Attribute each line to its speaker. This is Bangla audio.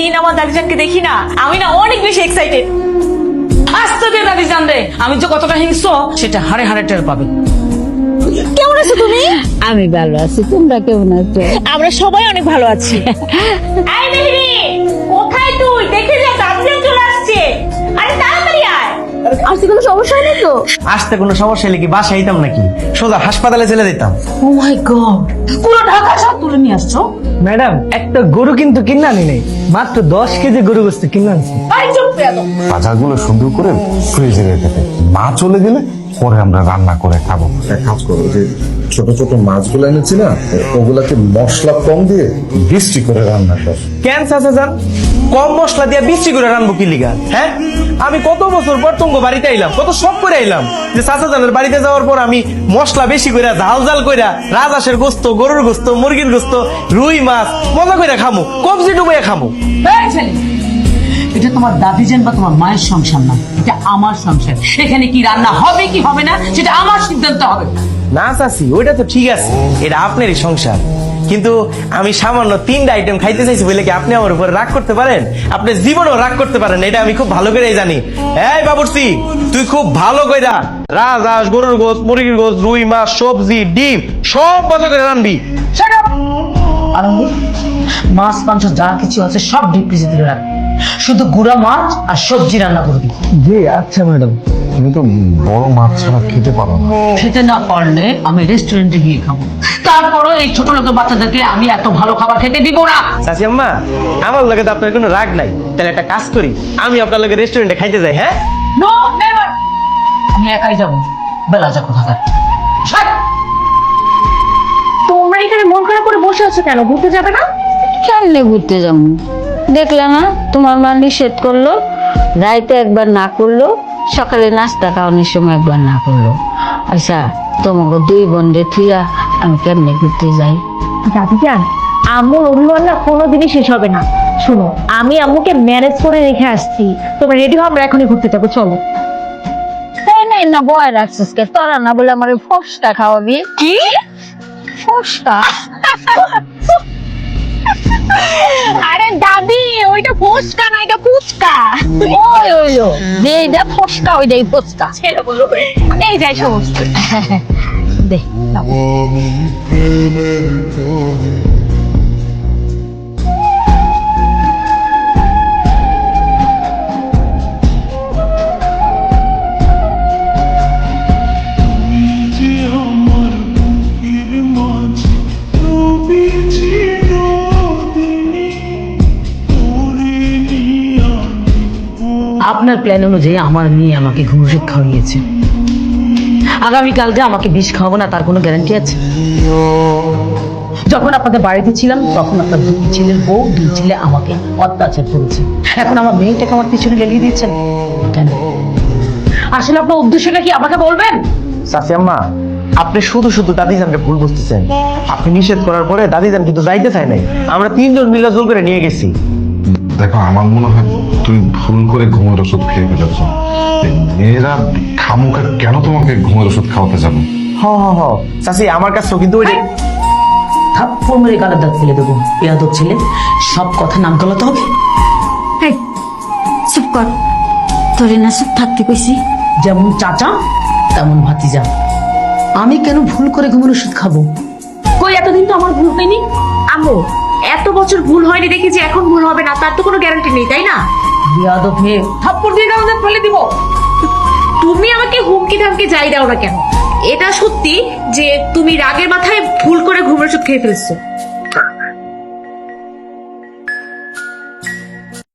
Speaker 1: প্রতিদিন আমার দাদিজানকে দেখি না, আমি না অনেক বেশি এক্সাইটেড।
Speaker 2: আস্তে দে দাদিজান রে, আমি যে কতটা হিংস্র সেটা হাড়ে হাড়ে টের পাবে।
Speaker 1: কেমন আছো তুমি?
Speaker 3: আমি ভালো আছি, তোমরা কেমন আছো?
Speaker 1: আমরা সবাই অনেক ভালো আছি। আই মেহেরি, কোথায় তুই? দেখে যা, দাদিজান চলে আসছে। আরে তাড়াতাড়ি আয়। আসতে কোনো সমস্যা নেই তো?
Speaker 4: আসতে কোনো সমস্যা হলে কি বাসায় আইতাম নাকি, সোজা হাসপাতালে চলে যেতাম।
Speaker 2: ও মাই গড, পুরো ঢাকা শহর তুলে নিয়ে আসছো।
Speaker 4: ম্যাডাম, একটা গরু কিন্তু কিনে আনি নেই, মাত্র 10 কেজি গরু গোস্ত কিনে আনছি।
Speaker 2: আই চুপ বেয়াদব।
Speaker 5: ভাজাগুলো সুন্দর করে ফ্রিজে রেখে দেয়, মা চলে গেলে পরে আমরা রান্না করে খাবো।
Speaker 6: এক কাজ করো, যে ছোট ছোট মাছগুলো এনেছি না, ওগুলাকে মশলা কম দিয়ে বৃষ্টি করে রান্না কর।
Speaker 4: কেন চাচা যান, কম মশলা দিয়া বৃষ্টি করে রানবো কি লিগা? হ্যাঁ, আমি কত বছর পর তোমাকে বাড়িতে আইলাম, কত শখ করে আইলাম যে চাচা জানের বাড়িতে যাওয়ার পর আমি মশলা বেশি করে ঝাল ঝাল কইরা রাজহাঁসের গোস্ত, গরুর গোস্ত, মুরগির গোস্ত, রুই মাছ মজা করে খামু, কবজি ডুবাইয়া খামু।
Speaker 2: এই ছেলে, এটা তোমার দাদিজান বা তোমার মায়ের সংসার না, এটা আমার সংসার। এখানে কি রান্না হবে কি হবে না সেটা আমার সিদ্ধান্ত হবে।
Speaker 4: না চাচি, ওইটা তো ঠিক আছে, এটা আপনারই সংসার, কিন্তু আমি সামান্য 3টা আইটেম খাইতে চাইছি বলে কি আপনি আমার উপরে রাগ করতে পারেন? আপনি জীবনেও রাগ করতে পারেন, এটা আমি খুব ভালো করেই জানি। এই বাবুর্চি, তুই খুব ভালো কইরা রাজহাঁস, গরুর গোস্ত, মুরগির গোস্ত, রুই মাছ, সবজি, ডিম সব মজা করে রানবি।
Speaker 2: Shut up! আনন্দ, মাছ মাংস যা কিছু আছে সব ডিপ ফ্রিজে তুলে রাখ, শুধু গুঁড়া মাছ আর সবজি রান্না করবি।
Speaker 4: জি আচ্ছা ম্যাডাম।
Speaker 5: তুমি তো বড় মাছ ছাড়া খেতে পারো না।
Speaker 2: খেতে না পারলে আমি রেস্টুরেন্টে গিয়ে খাবো, তারপরও এই ছোট লোকের বাচ্চাদেরকে আমি এত ভালো খাবার খেতে দিব না।
Speaker 4: চাচি আম্মা, আমার লগে তো আপনার কোনো রাগ নাই, তাহলে একটা কাজ করি, আমি আপনার লগে রেস্টুরেন্টে খাইতে যাই। হ্যাঁ,
Speaker 2: নো নেভার, আমি একাই যাবো। বেলা যা কোথাকার।
Speaker 1: তোমরা এখানে মন খারাপ করে বসে আছো কেন? ঘুরতে যাবে না?
Speaker 3: কেমনে ঘুরতে যাবো? দেখলে না, তোমার মা নিষেধ করলো, রাইতে একবার না করলো, সকালে নাস্তা খাওয়ানোর সময় একবার না করলো। আচ্ছা, তোমাকে 2 বোনদের থুইয়া আমি কেমনে ঘুরতে যাই?
Speaker 1: দাদিজান, আম্মুর অভিমান না কোনোদিনই শেষ হবে না। শোনো, আমি আম্মুকে ম্যানেজ করে রেখে আসছি, তোমরা রেডি হও, আমরা এখনই ঘুরতে যাবো, চলো।
Speaker 3: তাই নাই না বয় রাখছিস কে? তোরা না বলে আমার ফসকা খাওয়াবি?
Speaker 1: কি?
Speaker 3: ফসকা?
Speaker 1: আরে দাদি, ওইটা ফুচকা না, এটা ফুচকা।
Speaker 3: ওই ওই ও, যেইটা ফসকা ওইটাই ফসকা।
Speaker 1: ছেড়ে বলো, এই যাই সমস্ত।
Speaker 3: দে
Speaker 2: আপনার প্ল্যান অনুযায়ী আমার মেয়ে আমাকে ঘুম ওষুধ খাওয়িয়েছে, আগামীকাল যে আমাকে বিষ খাওয়াবো না তার কোনো গ্যারান্টি আছে? যখন আপনাদের বাড়িতে ছিলাম তখন আপনার 2 ছেলের বউ, 2 ছেলে আমাকে অত্যাচার করেছে, এখন আমার মেয়েটাকে আমার পিছনে গেলিয়ে দিচ্ছেন কেন? আসলে আপনার উদ্দেশ্যটা কি আমাকে বলবেন?
Speaker 4: চাচি আম্মা, আপনি শুধু শুধু দাদিজানকে ভুল বুঝতেছেন। আপনি নিষেধ করার পরে দাদিজান কিন্তু যাইতে চায় নাই, আমরা 3 জন মিলে জোর করে নিয়ে গেছি।
Speaker 5: দেখো, আমার মনে হয় তুমি ভুল করে ঘুমের ওষুধ খেয়ে ফেলেছ। মেয়েরা খামুখা কেন তোমাকে ঘুমের ওষুধ খাওয়াতে যাবে?
Speaker 4: হ চাচি, আমার কাছেও কিন্তু ওই
Speaker 2: থাপ্পড় মেরে গালের দাঁত ফেলে দেবো। বেয়াদব ছেলে, সব কথা নাম গলাতে হবে।
Speaker 3: এই, চুপ কর, তোরে না চুপ থাকতে কইছি?
Speaker 2: যেমন চাচা তেমন ভাতিজা। আমি কেন ভুল করে ঘুমের ওষুধ খাবো?
Speaker 1: কই, এতদিন তো আমার ভুল হয়নি। আম্মু, এত বছর ভুল হয়নি দেখি যে এখন ভুল হবে না, তার তো কোনো গ্যারান্টি নেই, তাই না?
Speaker 2: বেয়াদব মেয়ে, থাপ্পড় দিয়ে গালের দাঁত ফেলে দিব।
Speaker 1: তুমি আমাকে হুমকি ধামকি যাই দাও না কেন, এটা সত্যি যে তুমি রাগের মাথায় ভুল করে ঘুমের ওষুধ খেয়ে ফেলছো।